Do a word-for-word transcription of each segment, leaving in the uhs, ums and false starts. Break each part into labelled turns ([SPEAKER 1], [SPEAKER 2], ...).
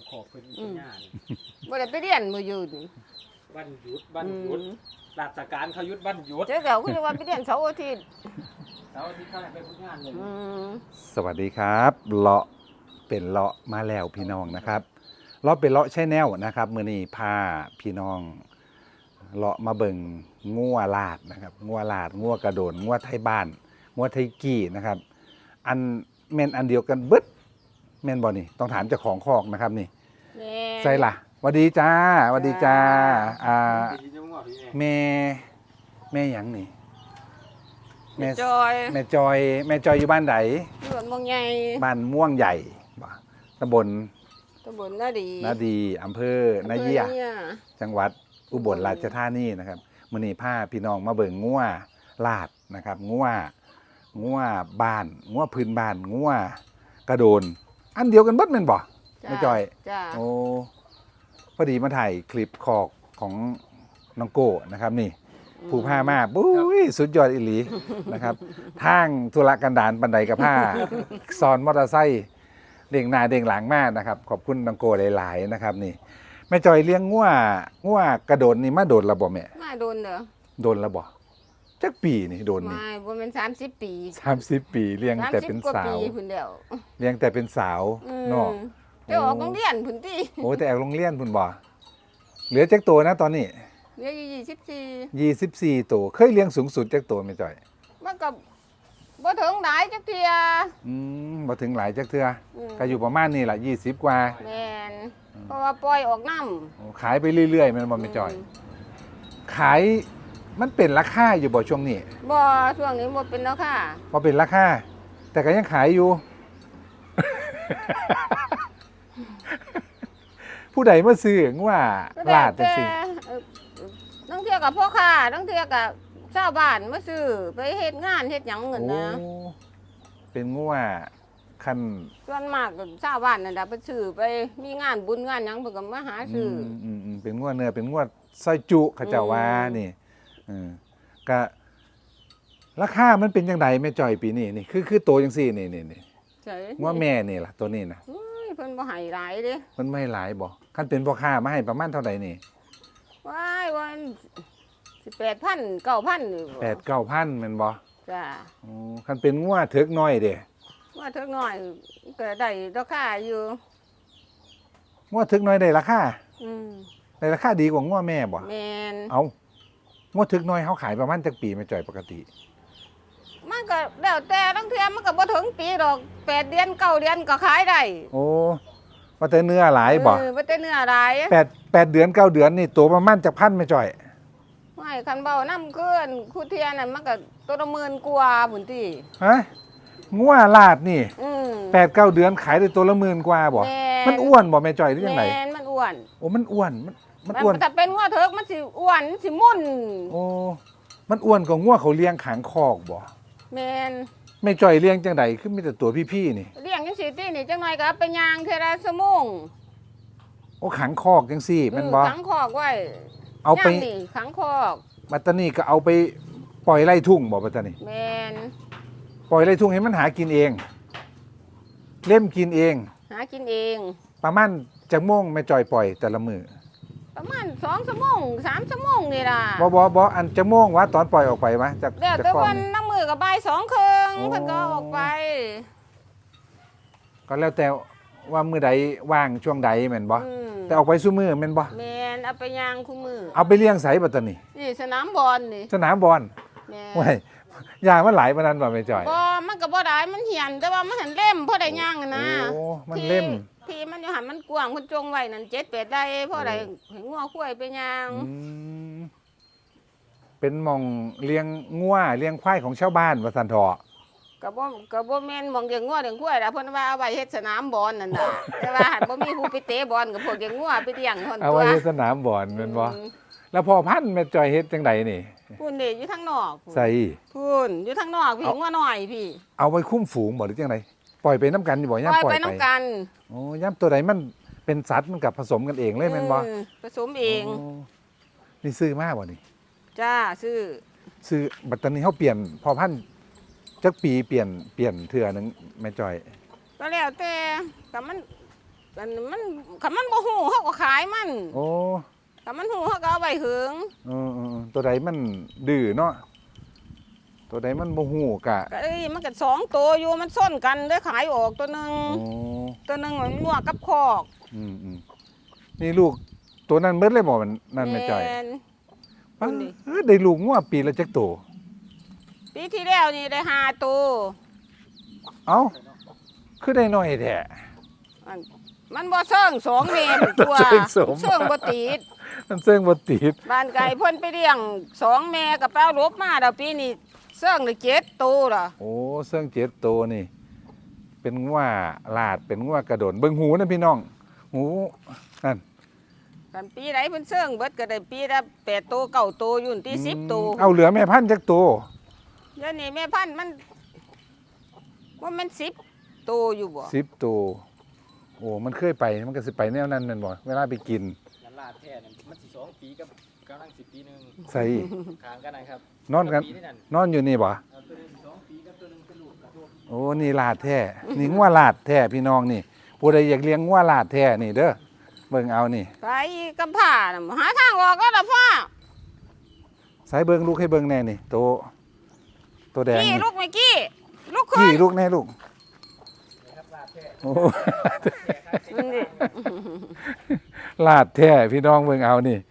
[SPEAKER 1] ขอบเป็นปัญญานี่
[SPEAKER 2] บ่ได้ไปเรียนมื้ออยู่นี่
[SPEAKER 1] วันหยุดวันหยุดราชการเขาหยุดวันหยุด
[SPEAKER 2] เจ้าก็คือว่าไปเรียนเสาร์อาทิตย์
[SPEAKER 1] เสาร์อาทิตย์เขาให้ไปฝึกงานเลย
[SPEAKER 2] อืม
[SPEAKER 3] สวัสดีครับเลาะเป็นเลาะมาแล้วพี่น้องนะครับเลาะเป็นเลาะใช่แนวนะครับมื้อนี้พาพี่น้องเลาะมาเบิ่งงัวลาดนะครับงัวลาดงัวกระโดนงัวไทยบ้านงัวไทยกี้นะครับอันแม่นอันเดียวกันเบิดแม่นบ่นี่ต้องถามเจ้าของคอกนะครับนี่
[SPEAKER 2] แม่
[SPEAKER 3] ใส่ล่ะหวัสดีจ้าหวัสดีจ้าอ่า
[SPEAKER 1] ปีนี้ว่าพี่แม่
[SPEAKER 3] แม่แม่หยังนี่แม่
[SPEAKER 2] จอย
[SPEAKER 3] แม่จอยแม่จอยอยู่บ้านไหน
[SPEAKER 2] อยู่บ้านเมืองใหญ่
[SPEAKER 3] บ้านม่วงใหญ่บ่ตำบล
[SPEAKER 2] ตำบลนาดี
[SPEAKER 3] นาดีอำเภอนาเยีย
[SPEAKER 2] อำภอนา
[SPEAKER 3] จังหวัดอุบลราชธานีนะครับมื้อนี้พาพี่น้องมาเบิ่งงัวลาดนะครับงัวงัวบ้านงัวพื้นบ้านงัวกระโดน อันเดียวกันเบิดแม่นบ่
[SPEAKER 2] จ้า
[SPEAKER 3] แม่จอย
[SPEAKER 2] จ้า
[SPEAKER 3] โอ้พอดีมาถ่ายคลิปคอกของน้องโก้นะครับนี่ ผู้ผ้ามาบุ้ยสุดยอดอิหลี นะครับทางธุรกันดารบันไดกับผ้าซ้อนมอเตอร์ไซค์เด้งหน้าเด้งหลังมากนะครับขอบคุณน้องโก้หลายๆนะครับนี่แม่จอยเลี้ยงงัวงัวกระโดดนี่มาโดนระบ่แม่
[SPEAKER 2] มาโดนเด้อ
[SPEAKER 3] โดนระบ่จักปีนี่โดนนี่
[SPEAKER 2] ไม่บ่แม่นสามสิบปี
[SPEAKER 3] สามสิบปีเลี้ยงแต่เป็น
[SPEAKER 2] สามสิบกว่า
[SPEAKER 3] สาว
[SPEAKER 2] ปีพุ่นแล้ว
[SPEAKER 3] เลี้ยงแต่เป็นสาว
[SPEAKER 2] อืม
[SPEAKER 3] เนาะ
[SPEAKER 2] ไปออกโรงเรียนพุ่นติ
[SPEAKER 3] โอ้แต่แอบโรงเรียนพุ่นบ่เหลือจักตัวนะตอนนี้
[SPEAKER 2] เหลืออยู่ยี่สิบสี่
[SPEAKER 3] ยี่สิบสี่ตัวเคยเลี้ยงสูงสุดจักตัวแม่จอย
[SPEAKER 2] มันก็บ่ถึงหลายจักเที่ย
[SPEAKER 3] อืมมาถึงหลายจักเทือ
[SPEAKER 2] อืม
[SPEAKER 3] ก็อยู่ประมาณนี้แหละยี่สิบกว่า
[SPEAKER 2] แม่นเพราะว่าปล่อยออกน้ำ
[SPEAKER 3] โอ้ขายไปเรื่อยๆ มันบ่ไม่จอย ขายมันเป็นราคาอยู่บ่ช่วงนี้
[SPEAKER 2] บ่ช่วงนี้บ่เป็นแล้วค่ะ
[SPEAKER 3] พอเป็นราคา แต่ก็ยังขายอยู่ ผู้ใดมาซื้อว่าลาดจังซี่
[SPEAKER 2] เอ่อตั้งเที่ยกับพ่อค้าตั้งเที่ยกับชาวบ้านมาซื้อไปเฮ็ดงานเฮ็ดหยังเงิน
[SPEAKER 3] โอ้
[SPEAKER 2] นะ
[SPEAKER 3] เป็นงัวคัน
[SPEAKER 2] ส่วนมากก็ชาวบ้านนั่นล่ะไปซื้อไปมีงานบุญงานหยังเพิ่นก็มาหา
[SPEAKER 3] อื
[SPEAKER 2] ซื้อ
[SPEAKER 3] ม
[SPEAKER 2] อ
[SPEAKER 3] อืมอืมเป็นงัวเนื้อเป็นงัวซอยจุเขาเจ้าว่า
[SPEAKER 2] อืม
[SPEAKER 3] นี่เออก็ราคามันเป็นจังไดแม่จอยปีนี้นี่คือคือโตจังซี่นี่นี่นี่
[SPEAKER 2] ใช่
[SPEAKER 3] งัวแม่นี่ล่ะตัวนี้นะ
[SPEAKER 2] เฮ้ยเพิ่นบ่ให้หลายเด้
[SPEAKER 3] มันไม่หลายบ่คันเป็นพ่อค้ามาให้ประมาณเท่าใดนี่
[SPEAKER 2] ว้ายวันสิแปดพันเก้าพันนี่บ่
[SPEAKER 3] แปดเก้าพันแมันบ่
[SPEAKER 2] จ้า
[SPEAKER 3] อ๋อคันเป็นงัวเถิกน้อยเด้
[SPEAKER 2] ว่าเท่าน้อยก็ได้ราคาอยู่
[SPEAKER 3] งัวเถิกน้อยได้ราคา
[SPEAKER 2] อืม
[SPEAKER 3] ได้ราคาดีกว่างัวแม่บ่
[SPEAKER 2] แม่น
[SPEAKER 3] เอางัวเถิกน้อยเขาขายประมาณจักปีแม่จ่อยปกติ
[SPEAKER 2] มันก็แล้วแต่ตั้งเที่ยมันก็บ่ถึงปีดอกแปดเดือนเก้าเดือนก็ขายได้
[SPEAKER 3] โอ้ว่าแต่เนื้อหลายบ่
[SPEAKER 2] เออบ่แต่เนื้อหลาย
[SPEAKER 3] แปดแปดเดือนเก้าเดือนนี่ตัวประมาณจักพันแม่จ่อย
[SPEAKER 2] ไม่คันเบาน้ำเกินคู่เทียนนั่นมันก็ตัวละหมื่นกว่าพุ่นติ
[SPEAKER 3] ฮะงัวลาดนี่
[SPEAKER 2] อืม
[SPEAKER 3] แปดเก้าเดือนขายได้ตัวละหมื่นกว่าบ่
[SPEAKER 2] แม่
[SPEAKER 3] มันอ้วนบ่แม่จ่อยหรือยังไง
[SPEAKER 2] แม่นมันอ้วน
[SPEAKER 3] โอ้มันอ้วนมันมันอ้วน
[SPEAKER 2] ถ้าเป็นงัวเถิกมันสิอ้วนสิมุ่น
[SPEAKER 3] โอ้มันอ้วนกว่างัวเขาเลี้ยงขางคอกบ่
[SPEAKER 2] แม่น
[SPEAKER 3] แม่จ่อยเลี้ยงจังไดคือมีแต่ตัวพี่ๆนี่
[SPEAKER 2] เลี้ยงจังซี่ตินี่จังหน่อยก็เอาไปย่างเทื่อละชั่วโมง
[SPEAKER 3] โอ้ขังคอกจังซี่แม่นบ่
[SPEAKER 2] อืมขังคอกไว้
[SPEAKER 3] เอาไป
[SPEAKER 2] ย่งนี่ขังคอก
[SPEAKER 3] บัตตานีก็เอาไปปล่อยไล่ทุ่งบ่บัตตานี
[SPEAKER 2] แม่น
[SPEAKER 3] ปล่อยไล่ทุ่งให้มันหากินเอง เล่มกินเอง
[SPEAKER 2] หากินเอง
[SPEAKER 3] ประมาณจักโมงแม่จอยปล่อยแต่ละมือ
[SPEAKER 2] ประมาณสองชั่วโมงสามชั่วโมงนี่ล่ะ
[SPEAKER 3] บ่บ่บ่อันจักโมงวะตอนปล่อยออกไปวะจาก
[SPEAKER 2] แล้ว
[SPEAKER 3] จาก
[SPEAKER 2] แต่
[SPEAKER 3] กล้อ
[SPEAKER 2] วั
[SPEAKER 3] ง
[SPEAKER 2] น
[SPEAKER 3] นี่
[SPEAKER 2] น้ำมือก็บ่ายสองครึ่ง
[SPEAKER 3] โอ้
[SPEAKER 2] เพิ่นก็เอาออกไป
[SPEAKER 3] ก็แล้วแต่ว่ามือใดว่างช่วงใดแม่นบ่
[SPEAKER 2] อืม
[SPEAKER 3] แต่ออกไปซุมือแม่นบ่
[SPEAKER 2] แมนเอาไปย่างคู่มือ
[SPEAKER 3] เอาไปเลี้ยงไสบัตตานี
[SPEAKER 2] นี่สนามบอลนี่
[SPEAKER 3] สนามบอล
[SPEAKER 2] แมน
[SPEAKER 3] โอ้ยยามันหลายปานนั้นบ่แม่จอย
[SPEAKER 2] บ่มันก็บ่ได้มันเหียนแต่ว่ามันหันเล่มพอได้ย่างอะนะ
[SPEAKER 3] โอ้มันเล่ม
[SPEAKER 2] ที่ที่มันอยู่หันมันกว้างเพิ่นจงไว้นั่นเจ็ดแปดได้พอได้ให้งัวควายไปย่าง
[SPEAKER 3] อืมเป็นหมองเลี้ยงงัวเลี้ยงควายของชาวบ้านว่าซั่นเถาะ
[SPEAKER 2] ก็บ่ก็บ่แม่นหมองเลี้ยงงัวเลี้ยงควายล่ะเพิ่นว่าเอาไว้เฮ็ดสนามบอลนั่นน่ะ แต่ว่าหันบ่มีผู้ไปเตะบอลกับพวกเลี้ยงงัวไปเลี้ยงเพิ่น
[SPEAKER 3] เอา
[SPEAKER 2] ตัว
[SPEAKER 3] ไว้ในสนามบอลแม่นบ่
[SPEAKER 2] อืม
[SPEAKER 3] แล้วพอพันธุ์แม่จอยเฮ็ดจังไดนี่
[SPEAKER 2] พุ่นนี่อยู่ทางนอกพุ่น
[SPEAKER 3] ใส่
[SPEAKER 2] พุ่นอยู่ทางนอกพี่
[SPEAKER 3] เอา
[SPEAKER 2] งัวน้อยพี่
[SPEAKER 3] เอาไว้คุ้มฝูงบ่หรือจังไดปล่อยไปน้ำกันอยู่บ่
[SPEAKER 2] ป
[SPEAKER 3] ย่าม
[SPEAKER 2] ล่อย
[SPEAKER 3] ปล่อย
[SPEAKER 2] ไป
[SPEAKER 3] ไป
[SPEAKER 2] น้ำกัน
[SPEAKER 3] โอ้ย่ามตัวใดมันเป็นสัตว์มันกับผสมกันเองเลยแม่นบ่
[SPEAKER 2] ออผสมเอง
[SPEAKER 3] โนี่ซื้อมาบ่นี่
[SPEAKER 2] จ้าซื้อ
[SPEAKER 3] ซื้อบัดตอนนี้เฮาเปลี่ยนพอพันธุ์จักปีเปลี่ยนเปลี่ยนเทื่อหนึงแม่จอย
[SPEAKER 2] ก็แล้วแต่กับมันมันมันคันมันบ่ฮู้เฮาก็ขายมัน
[SPEAKER 3] โอ้
[SPEAKER 2] คันมันฮู้เฮาก็เอาไว้หึง
[SPEAKER 3] เออๆตัวใดมันดื้อเนาะตัวใดมันบ่ฮู้กะ
[SPEAKER 2] ก็เอ้ยมันก็สองตัวอยู่มันซ่อนกันได้ขายออกตัวหนึง
[SPEAKER 3] โอ้
[SPEAKER 2] ตัวหนึงมันงัวกับคอก
[SPEAKER 3] อืมอืมนี่ลูกตัวนั้นเบิดเลยบ่มันนั่นแม่จ้อย
[SPEAKER 2] แม่น
[SPEAKER 3] ป้า
[SPEAKER 2] นี่
[SPEAKER 3] เอ้ยได้ลูกงัวปีละจักตัว
[SPEAKER 2] ปีที่แล้วนี่ได้ห้าตัว
[SPEAKER 3] เอ้าคือได้น้อยแท้
[SPEAKER 2] อันมันบ่เชิงสองเมตรตัว
[SPEAKER 3] เชิงสม
[SPEAKER 2] เชิงบ่ติด
[SPEAKER 3] มันเซิงบ่ติด
[SPEAKER 2] บ้านไก่เพิ่นไปเลี้ยงสองแม่กับเป้าลบมาแล้วปีนี้เชิงได้เจ็ดตัวล่ะ
[SPEAKER 3] โอ้เซิงเจ็ดตัวนี่ เป็นงัวลาดเป็นงัวกระโดนเบิ่งหูนะพี่น้อง หูนั่น
[SPEAKER 2] กันปีไหนเพิ่นเชิงเบิดก็ได้ปีละแปดตัวเก้าตัวอยู่ที่สิบตัว
[SPEAKER 3] เอาเหลือแม่พันธุ์จักตัว
[SPEAKER 2] เดี๋ยวนี้แม่พันธุ์มันว่ามันสิบตัวอยู่บ่
[SPEAKER 3] สิบตัวโอ้มันเคยไปมันก็สิไปแนวนั้นแม่นบ่เวลาไปกิน
[SPEAKER 1] ยันลาดแท้นั่นมันสิสองปีกับกำลังสิบปีหนึง
[SPEAKER 3] ใส่
[SPEAKER 1] ขางกันนะครับ
[SPEAKER 3] นอนกัน
[SPEAKER 1] ปีนั่น
[SPEAKER 3] นอนอยู่นี่บ่
[SPEAKER 1] เอาตัวหนึงสองปีกับตัวหนึงเป็นลูกกระโดด
[SPEAKER 3] โอ้นี่ลาดแท้นี่งัวลาดแท้พี่น้องนี่ผู้ใดอยากเลี้ยงงัวลาดแท้นี่เด้อเบิ่งเอานี่
[SPEAKER 2] ไปกำผ้าน่ะหาทางออกก็ละฟ้า
[SPEAKER 3] ใส่เบิ่งลูกให้เบิ่งแน่นี่โตตัวแดง
[SPEAKER 2] กี้
[SPEAKER 3] นี่
[SPEAKER 2] ลูกเมื่อกี้ลูกค
[SPEAKER 3] จี้
[SPEAKER 2] น
[SPEAKER 3] ลูกแน่ลูก
[SPEAKER 1] นะครับลาดแท้
[SPEAKER 3] โอ้
[SPEAKER 2] นั่นดิ
[SPEAKER 3] ลาดแท้พี่น้องเบิ่งเอานี่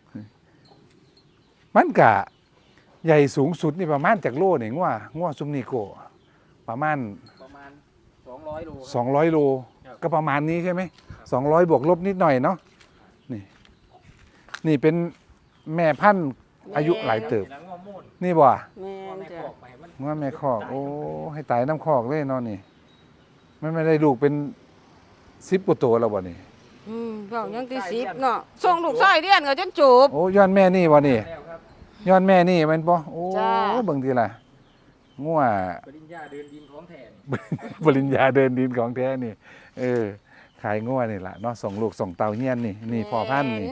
[SPEAKER 3] มันกะใหญ่สูงสุดนี่ประมาณจากโลนี่งัวงัวซุมนี่โกประมาณ
[SPEAKER 1] ประมาณสองร้อยโลครับ
[SPEAKER 3] สองร้อยโล
[SPEAKER 1] ครับ
[SPEAKER 3] ก็ประมาณนี้ใช่ไหมสองร้อยบวกลบนิดหน่อยเนาะนี่ นี่เป็นแม่พันธุ์อายุหลายเติบ
[SPEAKER 1] หลังงอมูน
[SPEAKER 3] นี่บ่
[SPEAKER 2] แม่
[SPEAKER 1] พ่อน แม่
[SPEAKER 2] จ้ะ
[SPEAKER 1] ขอกไปมัน
[SPEAKER 3] งัวแม่คอก โอ้ให้ตายน้ำคอกเลยเนาะนี่มันไม่ได้ลูกเป็นสิบกว่าตัวแล้วบ่นี่
[SPEAKER 2] อืมเว้ายังที่สิบเนาะส่งลูกชายเรียนก็จนจบ
[SPEAKER 3] โอ้ย้อนแม่นี่บ่นี่
[SPEAKER 1] แล้วครับ
[SPEAKER 3] ย้อนแม่นี่แมันบ่โอ้
[SPEAKER 2] จ้า
[SPEAKER 3] เบิ่งทีละงัว
[SPEAKER 1] ปริญญาเดินดินของแทน
[SPEAKER 3] ปริญญาเดินดินของแท้นี่ เออ ขายงัวนี่ล่ะเนาะส่งลูกส่งเต่าเฮียนนี่ นี่พ่อพันธุ์นี่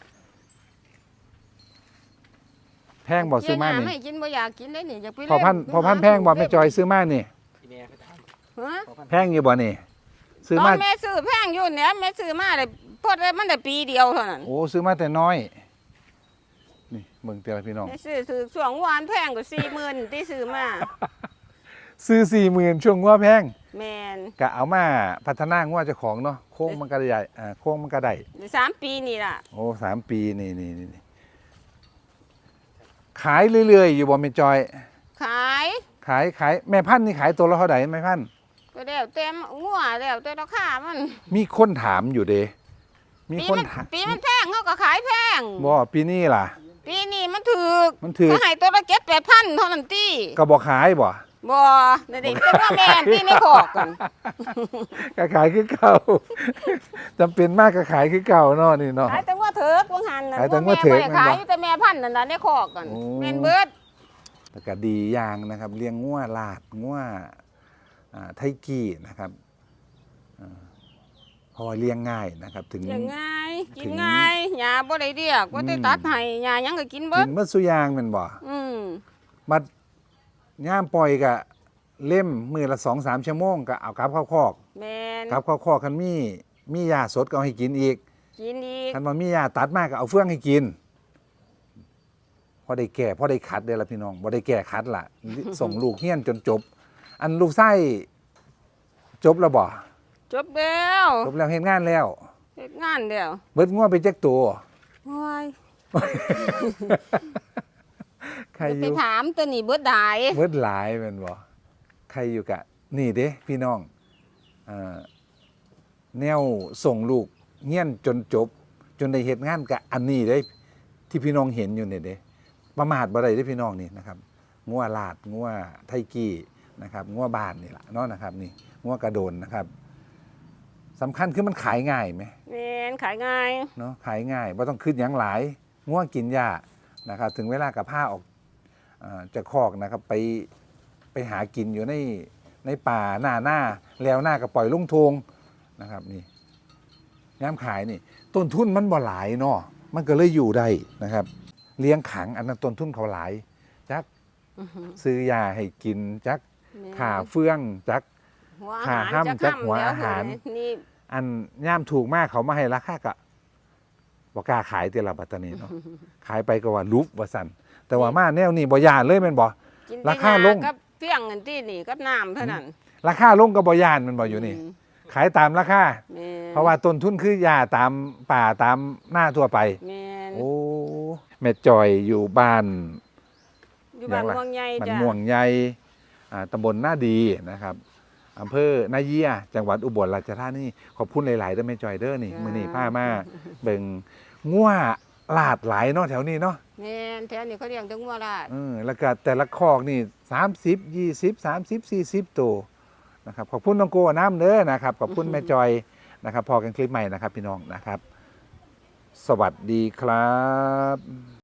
[SPEAKER 3] แพงบ่ซื้อมานี่
[SPEAKER 2] เไม่กินบ่อยากกินเลยนี่อยากไป
[SPEAKER 3] พ่อพันธุ์
[SPEAKER 2] เล่
[SPEAKER 3] พ่อพันธุ์แพงบ่แม่จอยซื้อมานี่
[SPEAKER 1] พี่เนี่ยเขาถาม
[SPEAKER 2] ฮะ
[SPEAKER 1] ขอพัน
[SPEAKER 3] แพงอยู่บ่นี่ ซื้อ
[SPEAKER 2] ต
[SPEAKER 3] มา
[SPEAKER 2] อนแม่ซื้อแพงอยู่เนี่ยแม่ซื้อมาได้พอได้มันได้ปีเดียวเท่านั้น
[SPEAKER 3] โอ้ซื้อมาแต่น้อย นี่เบิ่งเตียวพี่น้อง
[SPEAKER 2] แม่ซื้อซื้อช่วงวานแพงกว่าสี่หมื่นที่ซื้อมา
[SPEAKER 3] ซื้อ สี่หมื่น ช่วงงัวแพง
[SPEAKER 2] แมน
[SPEAKER 3] ก็เอามาพัฒนางัวเจ้าของเนาะโค้งมันก็ใหญ่อ่าโค้งมันก็ได้
[SPEAKER 2] ได้สามปีนี่ล่ะ
[SPEAKER 3] โอ้สามปีนี่นี่นี่นี่ขายเรื่อยๆอยู่บ่แม่จอย
[SPEAKER 2] ขาย
[SPEAKER 3] ขายขายแม่พันธุ์นี่ขายตัวละเท่าไหร่แม่พันธุ์
[SPEAKER 2] ก็แล้วเต็มงัวแล้วแต่ราคามัน
[SPEAKER 3] มีคนถามอยู่เด้มี
[SPEAKER 2] ปี
[SPEAKER 3] คน
[SPEAKER 2] มัน
[SPEAKER 3] ถาม
[SPEAKER 2] ปีมันแพงเขาก็ขายแพง
[SPEAKER 3] บ่ปีนี้ล่ะ
[SPEAKER 2] ปีนี้มันถูก
[SPEAKER 3] มันถือ
[SPEAKER 2] ก็ให้ตัวละเจ็ดแปดพันเท่านั้นตี
[SPEAKER 3] ก็บ่ขายบ่
[SPEAKER 2] บ่นี่ดิแต่ว่าแม่นที่ในขอกกัน
[SPEAKER 3] ก็ขายคือเก่า จำเป็นมากก็ขายคือเก่าเนาะนี่เนาะ
[SPEAKER 2] ขายแต่ว่าเถิกว่าหันน่ะ
[SPEAKER 3] ขายแต่ว่าเถิก
[SPEAKER 2] แม่บ่ได้
[SPEAKER 3] แม่นบ่
[SPEAKER 2] ขายอยู่แต่แม่พันธุ์นั่นน่ะในขอกกัน
[SPEAKER 3] โอ้
[SPEAKER 2] แม่นเบิด
[SPEAKER 3] แต่ก็ดีอย่างนะครับเลี้ยงงัวลาดงัวอ่าไทกี้นะครับอ่าเพอเลี้ยงง่ายนะครับ ถึง
[SPEAKER 2] อย่างง่ายกิ
[SPEAKER 3] ถึ
[SPEAKER 2] น
[SPEAKER 3] ง
[SPEAKER 2] ง่ายหญ้าบ่ได้เรียกว่าได้
[SPEAKER 3] อืม
[SPEAKER 2] ตัดให้หญ้าหยังก็กินเบิ
[SPEAKER 3] กิ
[SPEAKER 2] ด
[SPEAKER 3] นเมื่อสุยางแมันบ่
[SPEAKER 2] อืม
[SPEAKER 3] บัดย่ามปล่อยก็เล่มมือละสองสามชั่วโมงก็เอากลับเข้าคอก
[SPEAKER 2] แม่น
[SPEAKER 3] กลับเข้าคอกคันมีมียาสดก็เอาให้กินอีก
[SPEAKER 2] กินอีก
[SPEAKER 3] คันว่ามียาตัดมากก็เอาเฟื่องให้กินพอได้แก่พอได้คัดเด้อละพี่น้องบ่ได้แก่คัดล่ะ ส่งลูกเฮียนจนจบ อันลูกไส้จบแล้วบ่
[SPEAKER 2] จบแล้ว
[SPEAKER 3] จบแล้วเฮ็ดงานแล้ว
[SPEAKER 2] เฮ็ดงานแล้ว
[SPEAKER 3] เบิดงัวไปจักตัว
[SPEAKER 2] โอ้ย
[SPEAKER 3] ใครอ
[SPEAKER 2] ไป
[SPEAKER 3] ยู่
[SPEAKER 2] ถามตัวนี้เบิดได้
[SPEAKER 3] เบิดหลายแม่นบ่ใครอยู่กะ นี่เด้พี่น้องเอ่อแนวส่งลูกเฮียนจนจบ จนได้เฮ็ดงานกะอันนี้เด้ที่พี่น้องเห็นอยู่เนี่ยเด้ประมาทบ่ได้เด้พี่น้องนี่นะครับงัวลาดงัวไทกี้นะครับงัวบ้านนี่ล่ะเนาะนะครับ นี่งัวกระโดนนะครับสำคัญคือมันขายง่ายไหม
[SPEAKER 2] แม่นขายง่าย
[SPEAKER 3] เนาะขายง่ายบ่ต้องคิดหยังหลายงัวกินหญ้านะครับ ถึงเวลากับผ้าออกเอ่อจะคอกนะครับ ไปไปหากินอยู่ในในป่าหน้าหน้าแล้วหน้าก็ปล่อยลงทงนะครับ นี่ย้ำขายนี่ ต้นทุนมันบ่หลายเนาะมันก็เลยอยู่ได้นะครับ เลี้ยงขังอันนั้นต้นทุนเขาหลายจัก
[SPEAKER 2] อื้อหือ
[SPEAKER 3] ซื้อยาให้กินจัก
[SPEAKER 2] แม่น
[SPEAKER 3] ขาเฟื่องจัก
[SPEAKER 2] หัวอา
[SPEAKER 3] ขา
[SPEAKER 2] หาร
[SPEAKER 3] ห้ำ
[SPEAKER 2] จะ
[SPEAKER 3] จัก
[SPEAKER 2] ค่ำ
[SPEAKER 3] หัว
[SPEAKER 2] แล้ว
[SPEAKER 3] อาหาร
[SPEAKER 2] นี่
[SPEAKER 3] อันย่ามถูกมากเขามาให้ราคาก็บ่กล้าขายแต่ละปัตตานีเนาะ ขายไปก็ว่าลุบว่าซั่นแต่ว่ามาแนวนี้บ่ย่านเลยแม่นบ่
[SPEAKER 2] กิน
[SPEAKER 3] ราคาลง
[SPEAKER 2] กับเฟี้ยงกันที่นี่กับน้ำเท่านั้น
[SPEAKER 3] ราคาลงก็บ่ย่านแมันบ่อยู่นี่
[SPEAKER 2] ม
[SPEAKER 3] ขายตามราคา
[SPEAKER 2] แม่น
[SPEAKER 3] เพราะว่าต้นทุนคือยาตามป่าตามหน้าทั่วไป
[SPEAKER 2] แม่น
[SPEAKER 3] โอ้แม่จอยอยู่บ้าน
[SPEAKER 2] อยู่บ้าน
[SPEAKER 3] อย่างละ
[SPEAKER 2] ม่วงใหญ่
[SPEAKER 3] มัน
[SPEAKER 2] จ้ะ
[SPEAKER 3] ม่วงใหญ่อ่าตำบลหน้าดีนะครับอำเภอนาเยียจังหวัดอุบลราชธานีขอบคุณหลายๆเด้อแม่จอยเด้อนี่มื้อนี้พามาเบิ่งงัวลาดหลายเนาะแถวนี้เนาะ
[SPEAKER 2] แม่นแถวนี้เขาเลี้ยงแตงงัวลาด
[SPEAKER 3] เออแล้วก็แต่ละคอกนี่สามสิบ ยี่สิบ สามสิบ สี่สิบตัวนะครับขอบคุณน้องโกน้ำเด้อนะครับขอบคุณแม่จอยนะครับพอกันคลิปใหม่นะครับพี่น้องนะครับ สวัสดีครับ